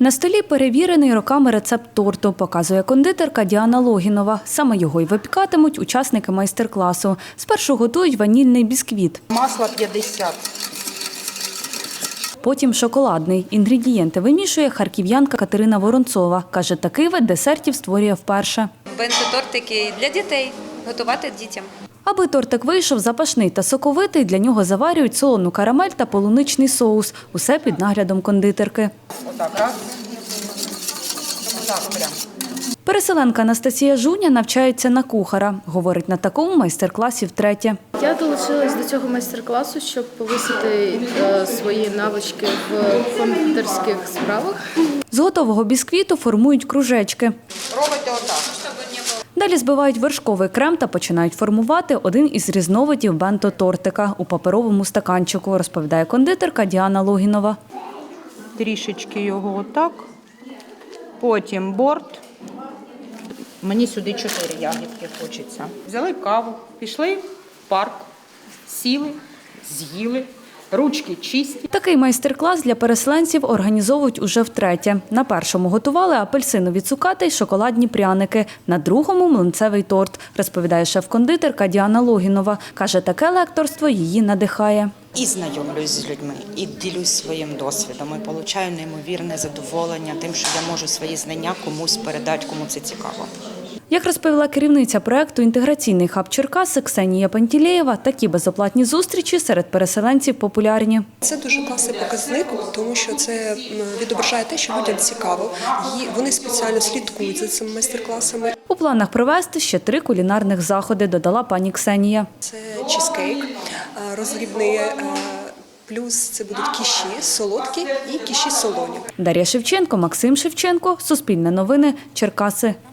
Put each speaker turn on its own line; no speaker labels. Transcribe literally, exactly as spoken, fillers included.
На столі перевірений роками рецепт торту, показує кондитерка Діана Логінова. Саме його й випікатимуть учасники майстер-класу. Спершу готують ванільний бісквіт.
Масло п'ятдесят.
Потім шоколадний. Інгредієнти вимішує харків'янка Катерина Воронцова. Каже, такий вид десертів створює вперше.
Бенто-тортики для дітей, готувати дітям.
Аби тортик вийшов запашний та соковитий, для нього заварюють солону карамель та полуничний соус. Усе під наглядом кондитерки.
Отак, раз. Отак прям.
Переселенка Анастасія Жуня навчається на кухара. Говорить, на такому майстер-класі втретє.
Я долучилась до цього майстер-класу, щоб повисити е, свої навички в кондитерських справах.
З готового бісквіту формують кружечки.
Робите отак.
Далі збивають вершковий крем та починають формувати один із різновидів бенто-тортика у паперовому стаканчику, розповідає кондитерка Діана Логінова.
Трішечки його отак. Потім борт. Мені сюди чотири ягідки хочеться. Взяли каву, пішли в парк, сіли, з'їли, ручки чисті.
Такий майстер-клас для переселенців організовують уже втретє. На першому готували апельсинові цукати й шоколадні пряники, на другому – млинцевий торт, розповідає шеф-кондитерка Діана Логінова. Каже, таке лекторство її надихає.
І знайомлюсь з людьми, і ділюсь своїм досвідом, і отримую неймовірне задоволення тим, що я можу свої знання комусь передати, кому це цікаво.
Як розповіла керівниця проєкту «Інтеграційний хаб Черкаси» Ксенія Пантілеєва, такі безоплатні зустрічі серед переселенців популярні.
Це дуже класний показник, тому що це відображає те, що людям цікаво. І вони спеціально слідкують за цими майстер-класами.
У планах провести ще три кулінарних заходи, додала пані Ксенія.
Це чизкейк, розрібний, плюс це будуть кіші солодкі і кіші солоні.
Дар'я Шевченко, Максим Шевченко, Суспільне новини, Черкаси.